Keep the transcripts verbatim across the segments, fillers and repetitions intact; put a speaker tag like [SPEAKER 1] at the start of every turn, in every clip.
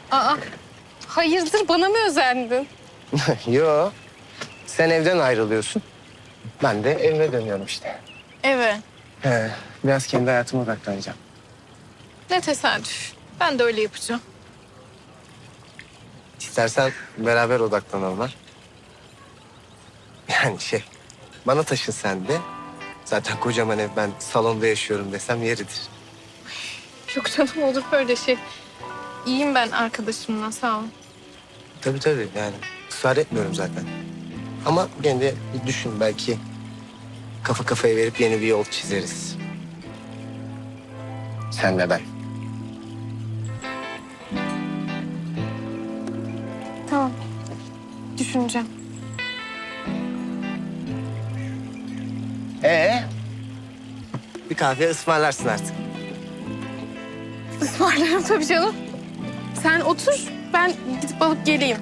[SPEAKER 1] Aa, hayırdır bana mı özendin?
[SPEAKER 2] Yo. Sen evden ayrılıyorsun. Ben de evime dönüyorum işte.
[SPEAKER 1] Eve.
[SPEAKER 2] He, biraz kendi hayatıma odaklanacağım.
[SPEAKER 1] Ne tesadüf. Ben de öyle yapacağım.
[SPEAKER 2] İstersen beraber odaklanalım ha. Yani şey, bana taşın sen de. Zaten kocaman ev, ben salonda yaşıyorum desem yeridir.
[SPEAKER 1] Yok canım, olur böyle şey. İyiyim ben arkadaşımla, sağ ol.
[SPEAKER 2] Tabii tabii, yani ısrar etmiyorum zaten. Ama gene de bir düşün, belki kafa kafaya verip yeni bir yol çizeriz. Sen ve ben.
[SPEAKER 1] Tamam. Düşüneceğim.
[SPEAKER 2] Ee? Bir kahve ısmarlarsın artık.
[SPEAKER 1] Ismarlarım tabii canım. Sen otur, ben gidip alıp geleyim.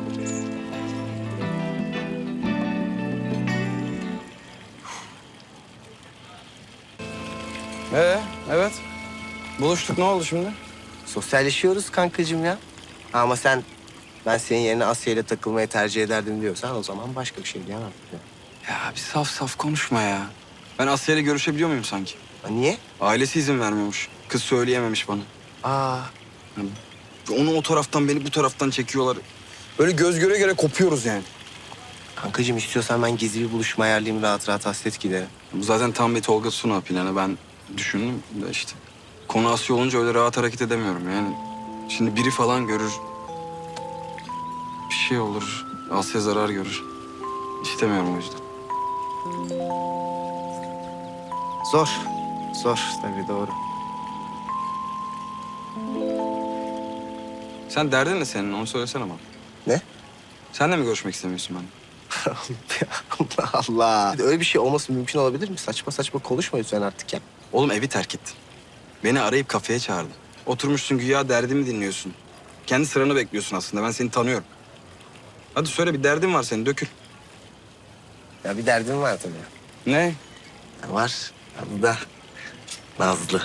[SPEAKER 3] Ee, evet. Buluştuk, ne oldu şimdi?
[SPEAKER 2] Sosyalleşiyoruz kankacığım ya. Ama sen, ben senin yerine Asya ile takılmayı tercih ederdim diyorsan o zaman başka bir şey diyemem.
[SPEAKER 3] Ya bir saf saf konuşma ya. Ben Asya ile görüşebiliyor muyum sanki?
[SPEAKER 2] Ha, niye?
[SPEAKER 3] Ailesi izin vermiyormuş. Kız söyleyememiş bana.
[SPEAKER 2] Aa,
[SPEAKER 3] Onu o taraftan, beni bu taraftan çekiyorlar. Böyle göz göre göre kopuyoruz yani.
[SPEAKER 2] kankacığım istiyorsan ben gizli bir buluşma ayarlayayım, rahat rahat hasret giderim.
[SPEAKER 3] Bu zaten tam bir Tolga Suna planı. Ben düşündüm de işte. Konu Asya olunca öyle rahat hareket edemiyorum yani. Şimdi biri falan görür. Bir şey olur. Asya zarar görür. İstemiyorum o yüzden.
[SPEAKER 2] Zor. Zor tabii, doğru.
[SPEAKER 3] Sen derdin ne senin? Onu söylesene bana.
[SPEAKER 2] Ne?
[SPEAKER 3] Sen de mi görüşmek istemiyorsun benimle?
[SPEAKER 2] Allah Allah. Öyle bir şey olması mümkün olabilir mi? Saçma saçma konuşma lütfen artık ya.
[SPEAKER 3] Oğlum evi terk ettin. Beni arayıp kafeye çağırdın. Oturmuşsun güya derdimi dinliyorsun. Kendi sıranı bekliyorsun aslında. Ben seni tanıyorum. Hadi söyle, bir derdin var senin, dökül.
[SPEAKER 2] Ya bir derdim var tabii.
[SPEAKER 3] Ne?
[SPEAKER 2] Ya var. Adı da Nazlı.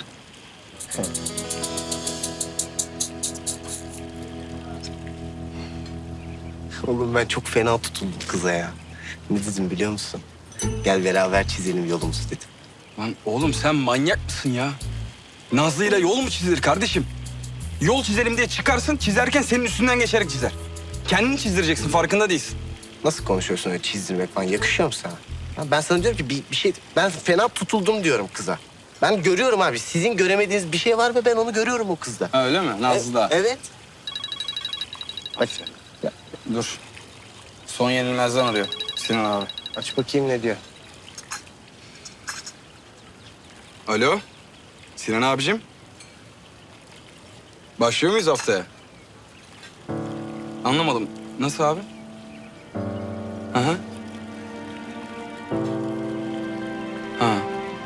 [SPEAKER 2] Oğlum ben çok fena tutuldum kıza ya. Ne dedim biliyor musun? Gel beraber çizelim yolumuzu dedim.
[SPEAKER 3] Lan oğlum sen manyak mısın ya? Nazlı'yla yol mu çizilir kardeşim? Yol çizelim diye çıkarsın, çizerken senin üstünden geçerek çizer. Kendini çizdireceksin, farkında değilsin.
[SPEAKER 2] Nasıl konuşuyorsun öyle çizdirmek falan? Yakışıyor mu sana? Ya ben sana diyorum ki bir, bir şey... Ben fena tutuldum diyorum kıza. Ben görüyorum abi. Sizin göremediğiniz bir şey var ve ben onu görüyorum o kızda.
[SPEAKER 3] Ha, öyle mi? Nazlı'da.
[SPEAKER 2] E- evet. Aç. Ya,
[SPEAKER 3] Dur. Son yenilmezden arıyor Sinan abi.
[SPEAKER 2] aç bakayım ne diyor.
[SPEAKER 3] Alo. Sinan abicim. Başlıyor muyuz haftaya? Anlamadım. Nasıl abi? Hı hı. Ha.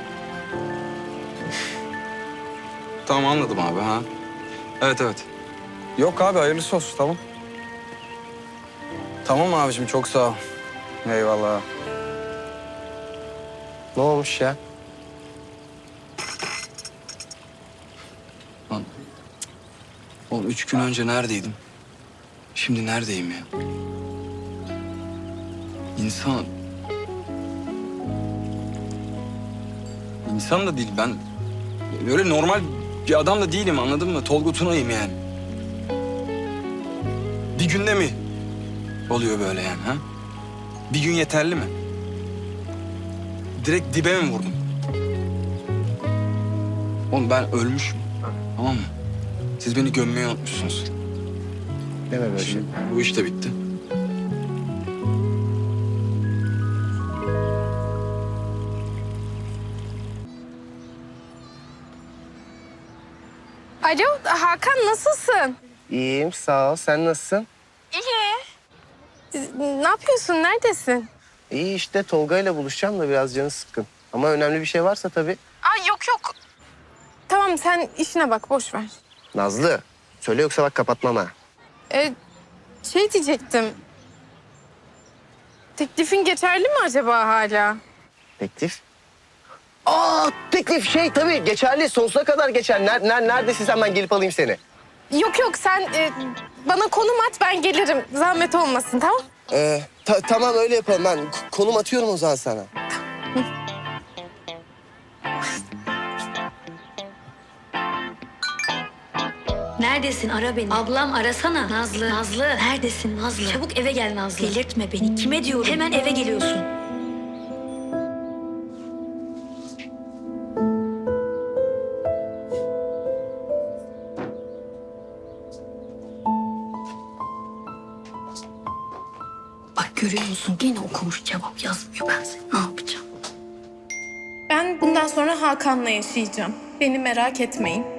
[SPEAKER 3] Tamam, anladım abi, ha. Evet, evet. Yok abi, hayırlısı olsun, tamam. Tamam abicim, çok sağ ol. Eyvallah.
[SPEAKER 2] Ne olmuş ya?
[SPEAKER 3] Lan. Oğlum üç gün önce neredeydim? Şimdi neredeyim ya? İnsan... İnsan da değil ben. Öyle normal bir adam da değilim, anladın mı? Tolga Tuna'yım yani. Bir günde mi oluyor böyle yani, ha? Bir gün yeterli mi? Direkt dibe mi vurdum? Oğlum ben ölmüşüm, tamam mı? Siz beni gömmeyi unutmuşsunuz.
[SPEAKER 2] Deme böyle şey.
[SPEAKER 3] Şimdi bu iş de bitti.
[SPEAKER 1] Alo Hakan, nasılsın?
[SPEAKER 2] İyiyim, sağ ol. Sen nasılsın?
[SPEAKER 1] İyi. Ne yapıyorsun, neredesin?
[SPEAKER 2] İyi işte, Tolga ile buluşacağım da biraz canı sıkkın. Ama önemli bir şey varsa tabii.
[SPEAKER 1] Aa, yok yok. Tamam, sen işine bak, boş ver.
[SPEAKER 2] Nazlı, söyle yoksa bak kapatmam ha.
[SPEAKER 1] Ee, şey diyecektim. Teklifin geçerli mi acaba hala?
[SPEAKER 2] Teklif? Aa, teklif şey tabii geçerli, sonsuza kadar geçer. Ner, ner, neredesin sen, ben gelip alayım seni.
[SPEAKER 1] Yok yok sen e, bana konum at ben gelirim. Zahmet olmasın tamam?
[SPEAKER 2] Ee, ta- tamam öyle yapalım. Ben k- konum atıyorum o zaman sana.
[SPEAKER 4] Neredesin? Ara beni. Ablam arasana. Nazlı. Nazlı. Neredesin Nazlı? Çabuk eve gel Nazlı. Delirtme beni. Kime diyorum? Hemen eve geliyorsun. Bak görüyor musun? Gene okumuş cevap yazmıyor. Ben seni ne yapacağım?
[SPEAKER 1] Ben bundan sonra Hakan'la yaşayacağım. Beni merak etmeyin.